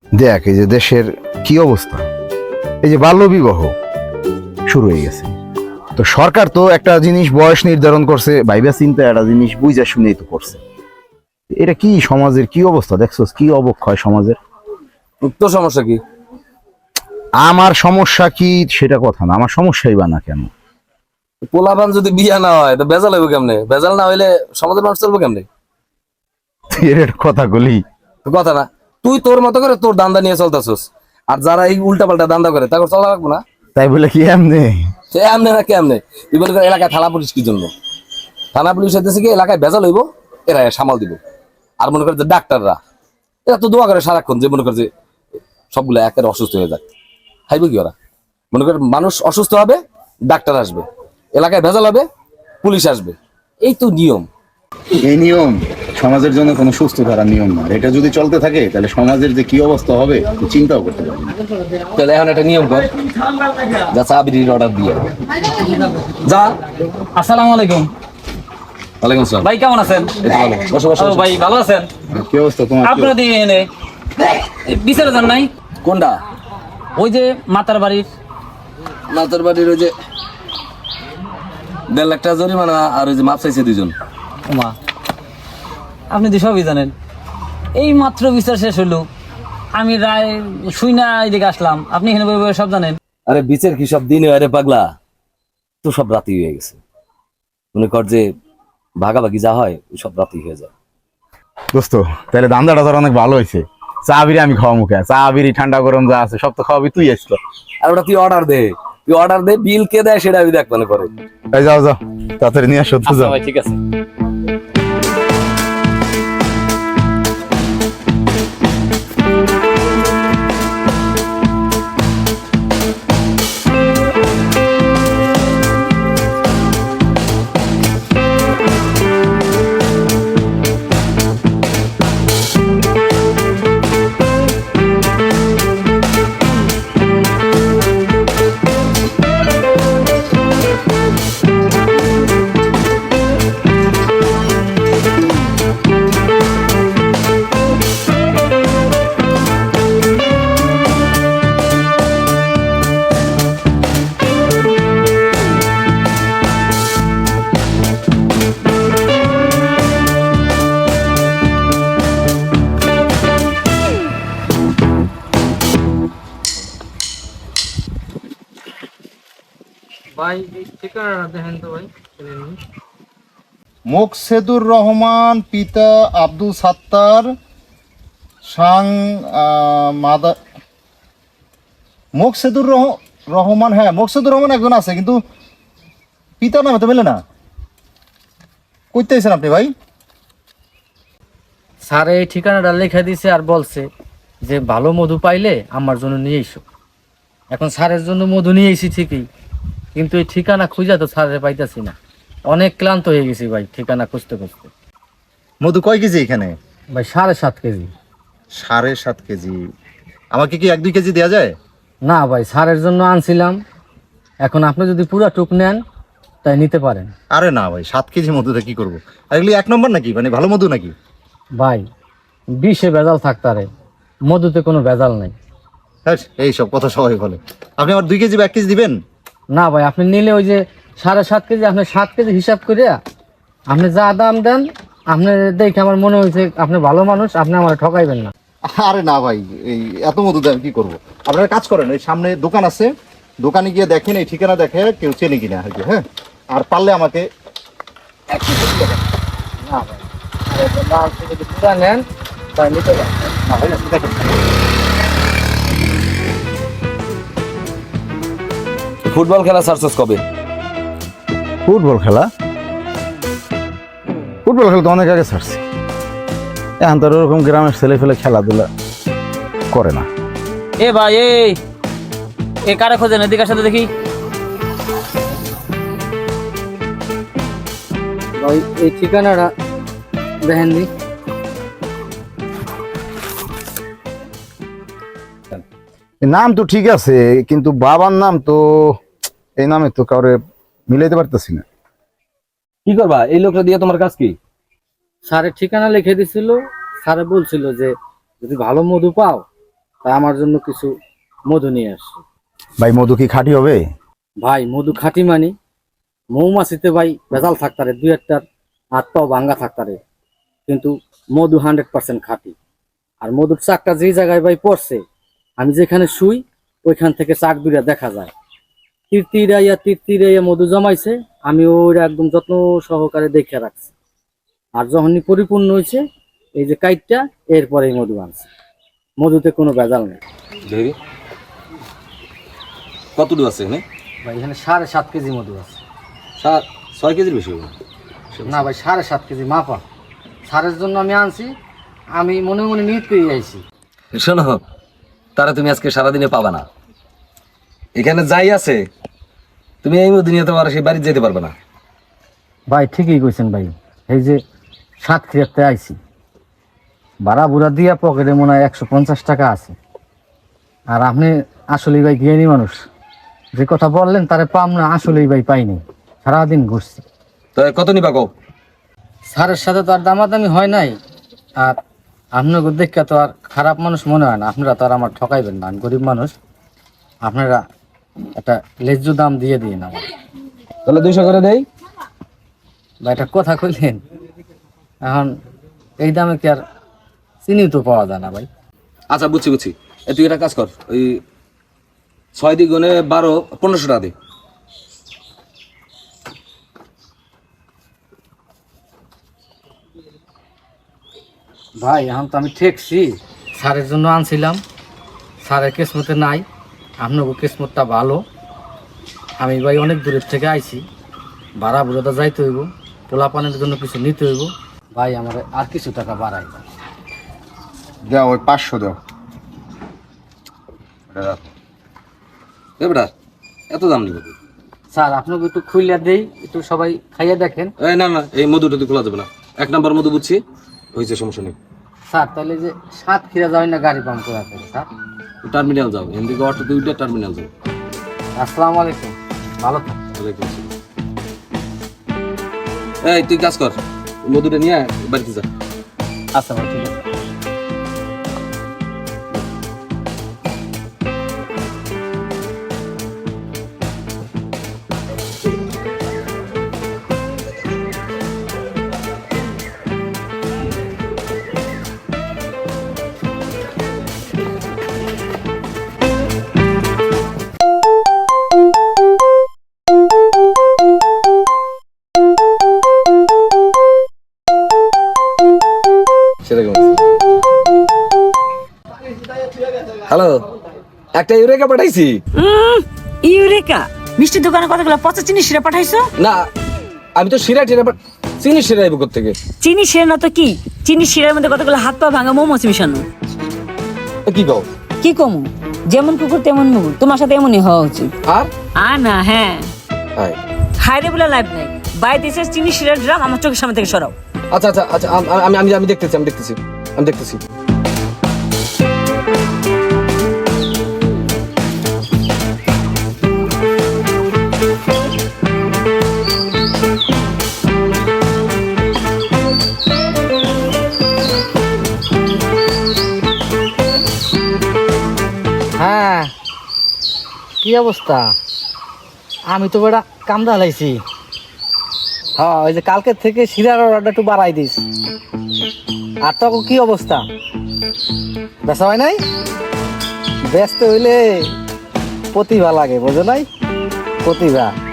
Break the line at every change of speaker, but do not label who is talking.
দেখ এই যে দেশের কি অবস্থা, এই যে বাল্য বিবাহ শুরু হয়ে গেছে। তো সরকার তো একটা জিনিস বয়স নির্ধারণ করছে, ভাইবা চিন্তা একটা জিনিস বুঝা শুনেই তো করছে। এটা কি সমাজের কি অবস্থা দেখছস, কি অবক্ষয় সমাজের।
তোর সমস্যা কি?
আমার সমস্যা কি সেটা কথা না, আমার সমস্যাই বা না কেন।
পোলাপান যদি বিয়া না হয় তো বেজাল হইব কেমনে? বেজাল না হইলে সমাজের মানুষ চলবো কেমনে?
এর একটা কথা বলি,
তো কথা না, তুই তোর মতো করে তোর দান্দা নিয়ে চলতেছস, আর যারা এই উল্টা পাল্টা দান্দা করে তাকে চলা রাখবো না।
তাই বলে কি এমনি।
সে এমনি না কেমনে? তুই বলে এলাকায় থানা পুলিশ কি জন্য? থানা পুলিশ হইতেছে কি এলাকায় বেজাল হইব, এরা সামাল দিব। আর মনে করে যে ডাক্তাররা, এরা তো দোয়া করে সারাক্ষণ, যে মনে করে যে সবগুলো একেবারে অসুস্থ হয়ে যাক, খাইব কি ওরা? মনে করে মানুষ অসুস্থ হবে, ডাক্তার আসবে, এলাকায় ভেজাল হবে, পুলিশ আসবে, এই তো নিয়ম।
এই নিয়ম সমাজের জন্য কোনো সুস্থ ধারার নিয়ম না। এটা যদি চলতে থাকে তাহলে সমাজের যে কি অবস্থা হবে চিন্তাও করতে পারবে না।
তাহলে এখন একটা নিয়ম কর, যা চা বিড়ির অর্ডার দিয়ে যা।
আসসালামু আলাইকুম
ওয়ালাইকুম আসসালাম।
ভাই, কেমন আছেন?
এই তো ভালো। বসো বসো
ও
বসো।
ভাই, ভালো আছেন?
কি অবস্থা তোমার?
আপনার দিয়ে এনে বিচারে যান নাই?
কোনটা?
ওই যে মাতার বাড়ির।
নাতর বাড়ির ওই যে 1.5 লাখ টাকা জরিমানা, আর ওই যে মাপ চাইছে 2 জন।
ওমা, আপনি তো সবই জানেন। এই মাত্র বিচার শেষ হলো, আমি রায় শুই না এদিকে আসলাম, আপনি এখানে বই বই সব জানেন।
আরে বিচার কি সব দিনে হয় রে পাগলা? তো সব রাতি হয়ে গেছে। মনে কর যে ভাগাভাগি যা হয় ওই সব রাতি হয়ে যায়।
দোস্ত তাহলে ধান্দাটা তোর অনেক ভালো হয়েছে। চা বিড়ি আমি খাওয়া মুখে, চা বিড়ি ঠান্ডা গরম যা আছে সব তো খাওয়াবি তুই আসলো।
আর ওটা তুই অর্ডার দে, তুই অর্ডার দে, বিল কে দেয় সেটা আমি দেখ মনে করে।
এই যাও যাও তাড়াতাড়ি নিয়ে আসো তো,
আচ্ছা
যাও।
ভাই, ঠিক আছে।
ভাই এই ঠিকানাটা দেখেন তো ভাই।
মোকসেদুর রহমান, পিতা আব্দুল সাত্তার, সাং মাদা। রহমান, হ্যাঁ মোকসেদুর রহমান একজন আছে, কিন্তু পিতার নামে তো মেলে না। কইতে আছেন আপনি ভাই?
স্যার এই ঠিকানাটা লিখে দিছে আর বলছে যে ভালো মধু পাইলে আমার জন্য নিয়ে এসো। এখন স্যারের জন্য মধু নিয়ে এসি ঠিকই, কিন্তু এই ঠিকানা খুঁজে তো স্যারের পাইতাছি না। অনেক ক্লান্ত হয়ে গেছি ভাই ঠিকানা খুঁজতে খুঁজতে।
মধু কয় কেজি এখানে?
ভাই 7.5 কেজি।
7.5 কেজি? আমাকে কি 1-2 কেজি দেওয়া যায়?
না ভাই, স্যারের জন্য আনছিলাম, এখন আপনি যদি পুরা টুক নেন তাই নিতে পারেন।
আরে না ভাই, 7 কেজি মধুতে কি করবো? আর এগুলি 1 নম্বর নাকি, মানে ভালো মধু নাকি?
ভাই বিষে ভেজাল থাকতারে, মধুতে কোনো ভেজাল নেই।
হ্যাঁ, এইসব কথা সবাই বলে। আপনি আমার 2 কেজি বা 1 কেজি দিবেন?
না ভাই, আপনি নিলে ওই যে 7.5 কেজি, আপনি 7 কেজি হিসাব করে আপনি যা দাম দেন, আপনি দেখে আমার মনে হয়েছে আপনি ভালো মানুষ, আপনি আমার ঠকাইবেন না।
আরে না ভাই, এই এত মধু দিয়ে আমি কি করবো? আপনারা কাজ করেন, ওই সামনে দোকান আছে, দোকানে গিয়ে দেখেন, এই ঠিকানা দেখে কেউ চেনে কিনা আর কি। হ্যাঁ, আর পারলে আমাকে
না ভাই, আপনি যদি পুরা নেন তাই নিতে পারেন।
না ভাই, আপনি দেখেন।
ফুটবল খেলা ছাড়ছস কবে?
ফুটবল খেলা তো অনেক আগে ছাড়ছি। এখন তো ওরকম গ্রামের ছেলে ফেলে খেলাধুলা করে না।
এ ভাই, এ কারে খোঁজেন? এদিকে সাথে দেখি।
ভাই এই ঠিকানাটা দেখেন নি?
নাম তো ঠিক আছে, কিন্তু বাবার নাম তো এই নামে তো কাউরে মিলাইতে পারতেছি না।
কি করবা এই লোকটা দিয়ে? তোমার কাজ কি?
স্যারের ঠিকানা লিখে দিছিল, স্যারে বলছিল যে যদি ভালো মধু পাও তাই আমার জন্য কিছু মধু নিয়ে আসছি।
ভাই মধু কি খাঁটি হবে?
ভাই মধু খাঁটি মানে মৌমাছিতে ভাই ভেজাল থাকতারে, দুই একটার হাত পাও ভাঙ্গা থাকতারে, কিন্তু মধু 100% খাঁটি। আর মধুর চাকটা যে জায়গায় ভাই পড়ছে, আমি যেখানে শুই ওইখান থেকে চাক দুইটা দেখা যায়। তীর মধু জমাইছে, আমি ওইটা একদম যত্ন সহকারে দেখে রাখছি। আর যখনই পরিপূর্ণ হয়েছে এই যে কাইটটা, এরপরেই মধু আনছে। মধুতে কোনো ভেজাল নেই।
দেখি কতটুকু আছে এখানে?
ভাই এখানে 7.5 কেজি মধু আছে।
6 কেজির বেশি হবে
না ভাই 7.5 কেজি মাপা। সারের জন্য আমি আনছি, আমি মনে মনে নিয়ত করে আইছি।
শোনো, তারা তুমি আজকে সারাদিনে পাবা না। এখানে যাই আছে তুমি এই মধ্যে নিয়ে তোমার সেই বাড়ি যেতে পারবে না।
ভাই ঠিকই কইছেন ভাই, এই যে 7 খিরাতে আইছি, ভাড়া বুড়া দিয়া পকেটে মনে হয় 150 টাকা আছে। আর আপনি আসলেই ভাই জ্ঞানী মানুষ, যে কথা বললেন তারে পাম না, আসলেই ভাই পাইনি, সারাদিন ঘুরছি।
তো কত নিবা কও?
সারের সাথে তো আর দামাদামি হয় নাই। আর আপনাকে দেখে তো আর খারাপ মানুষ মনে হয় না, আপনারা তো আর আমার ঠকাইবেন না, আমি গরিব মানুষ। আপনারা একটা লেজ্জ দাম দিয়ে দিন আমার।
তাহলে 200 করে দেই।
ভাই এটা কথা কইলেন, এখন এই দামে কি আর চিনি তো পাওয়া যায় না ভাই।
আচ্ছা বুঝছি। তুই একটা কাজ কর, ওই 6 দ্বিগুণে 12, 1500 টাকা দে।
ভাই এখন তো আমি ঠেকছি, সারের জন্য আনছিলাম, সারের কিসমতে নাই, আপনাকে কিসমতটা ভালো। আমি ভাই অনেক দূরের থেকে আইছি, ভাড়া বুড়োটা যাইতে হইব, পোলা পানের জন্য কিছু নিতে হইব। ভাই আমার আর কিছু টাকা বাড়াই।
দাও ওই 500 দাও।
এ বেটা, এত দাম নিব?
স্যার আপনাকে একটু খুইলা দেই, একটু সবাই খাইয়া দেখেন।
না, এই মধুটা তুই খোলা যাবে না। 1 নাম্বার মধু বুঝছি, হয়েছে, সমস্যা নেই।
স্যার তাহলে যে 7 খিরা যাবেন না গাড়ি পাম্প করা করে স্যার?
টার্মিনাল যাও, এখান থেকে অটো 2টা টার্মিনাল যাও।
আসসালামু আলাইকুম, ভালো থাক।
ওয়ালাইকুম আসসালাম। এই তুই কাজ কর, মধুটা নিয়ে বাড়িতে যা।
আচ্ছা ভাই ঠিক আছে।
হ্যালো, একটা ইউরেকা পাঠাইছি।
ইউরেকা মিষ্টি দোকানে কতগুলো পচা চিনি শিরা পাঠাইছো?
না, আমি তো শিরা টিরা চিনি শিরা আইব থেকে।
চিনি শিরা না তো কি, চিনি শিরার মধ্যে কতগুলো হাত পা ভাঙা মোমোস মিশানো।
কি কও?
কি কমু, যেমন কুকুর তেমন মুগুর, তোমার সাথে এমনই হওয়া উচিত।
আর
না হ্যাঁ,
হাই
হাইরে বলে লাইভ নাই। বাইরে দেশের চিনি শিরার ড্রাম আমার চোখের সামনে থেকে সরাও।
আচ্ছা, আমি দেখতেছি।
হ্যাঁ কি অবস্থা? আমি তো বেটা কামদা হালাইছি। হ্যাঁ ওই যে কালকের থেকে শিরার অর্ডারটা একটু বাড়াই দিস। আর তো কি অবস্থা? বেচা হয় নাই? ব্যস্ত হইলে প্রতিভা লাগে, বোঝো নাই? প্রতিভা